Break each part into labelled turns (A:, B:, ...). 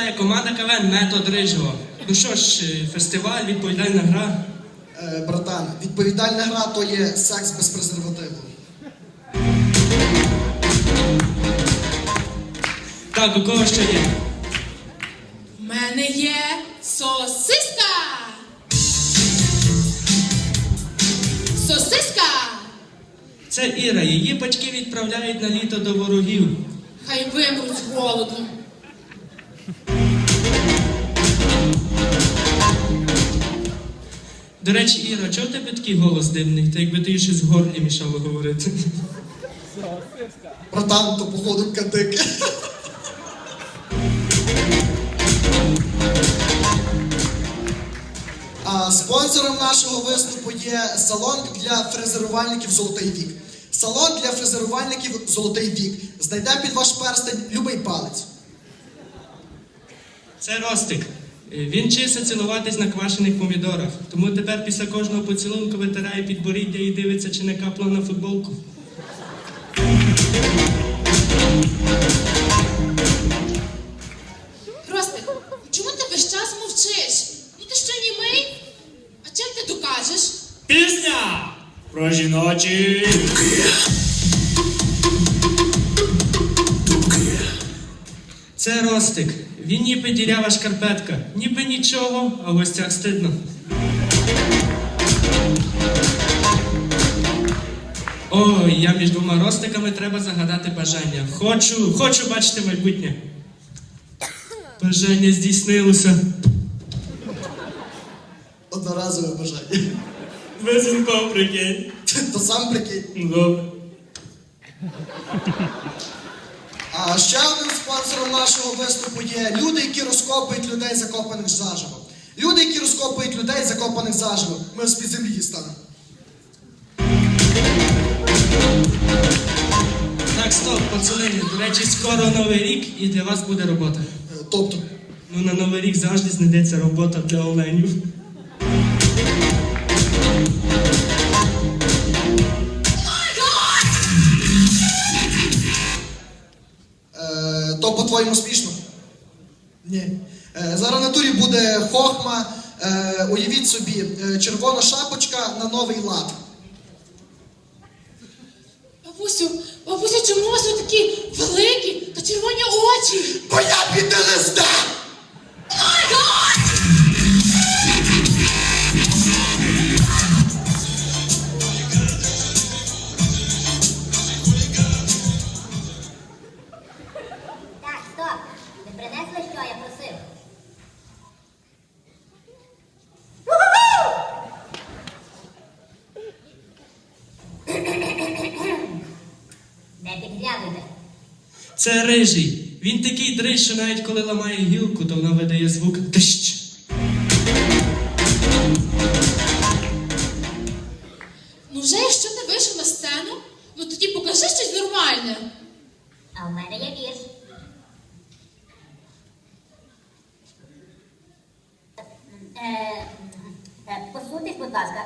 A: представляє команда КВН «Метод Рижого». Ну що ж, фестиваль, відповідальна гра.
B: Братан, відповідальна гра то є секс без презервативу.
A: Так, у кого ще є?
C: У мене є сосиска! Сосиска!
A: Це Іра, її батьки відправляють на літо до ворогів.
C: Хай вимруть з голоду.
A: До речі, Іра, чого в тебе такий голос дивний? Та якби ти щось в горлі мішало говорити.
B: Братан, то походу кадик. А спонсором нашого виступу є салон для фрезерувальників «Золотий вік». Салон для фрезерувальників «Золотий вік». Знайдемо під ваш перстень любий палець.
A: Це Ростик. Він вчився цілуватись на квашених помідорах. Тому тепер після кожного поцілунку витирає підборіддя і дивиться, чи не капла на футболку.
C: Ростик, чому ти весь час мовчиш? Ну ти що, німий? А чим ти докажеш?
D: Пісня про жіночі.
A: Це Ростик. Він ніби дірява шкарпетка. Ніби нічого, а в гостях стидно. Ой, я між двома Ростиками треба загадати бажання. Хочу бачити майбутнє. Бажання здійснилося.
B: Одноразове бажання.
A: Без інком, прикинь.
B: То сам прикинь.
A: Добре.
B: А ще одним спонсором нашого виступу є люди, які розкопують людей, закопаних заживо. Люди, які розкопують людей, закопаних заживо. Ми з-під землі дістанемо.
A: Так, стоп, пацани. До речі, скоро Новий рік і для вас буде робота.
B: Тобто,
A: Ну, на Новий рік завжди знайдеться робота для оленів.
B: то по-твоєму смішно? Ні. Зараз на турі буде хохма. Уявіть собі, червона шапочка на новий лад.
C: Бабусю, чому у вас ви такі великі та червоні очі?
B: Бо я під ЛСД!
E: Так, стоп! Ви принесли, що я просив? Не підглядуйте.
A: Це Рижий. Він такий дрищ, що навіть коли ламає гілку, то вона видає звук «дищ».
C: Ну вже якщо ти вийшов на сцену, ну тоді покажи щось нормальне.
E: А в мене є вірш. Посуньтесь, будь ласка.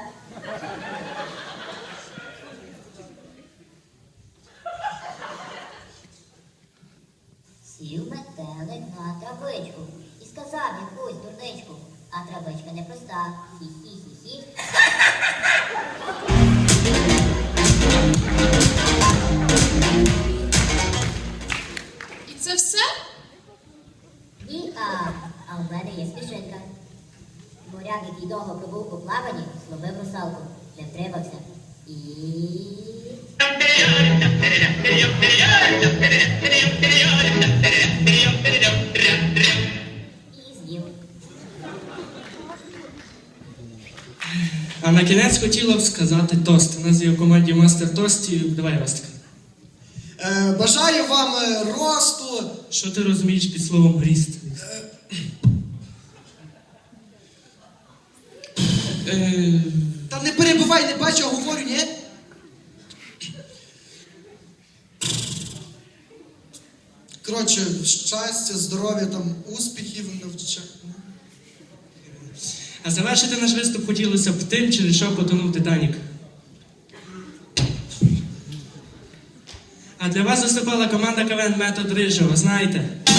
E: Сів метелик на травичку і сказав якусь дурничку, а травичка непроста. Хі-хі-хі-хі.
C: І це все?
E: Ні, а в мене є смішинка. Моряк, який довго пробув у плаванні, зловив русалку, не втримався і... І з'їв.
A: А на кінець хотіла б сказати тост. У нас є в команді Мастер Тостів. Давай, Ростик.
B: Бажаю вам росту.
A: Що ти розумієш під словом «ріст»?
B: Та не перебивай, не бачу, а говорю, ні? Коротше, щастя, здоров'я, там, успіхів, навчання.
A: А завершити наш виступ хотілося б тим, через що потонув Титанік. А для вас виступала команда КВН «Метод Рижого». Знаєте?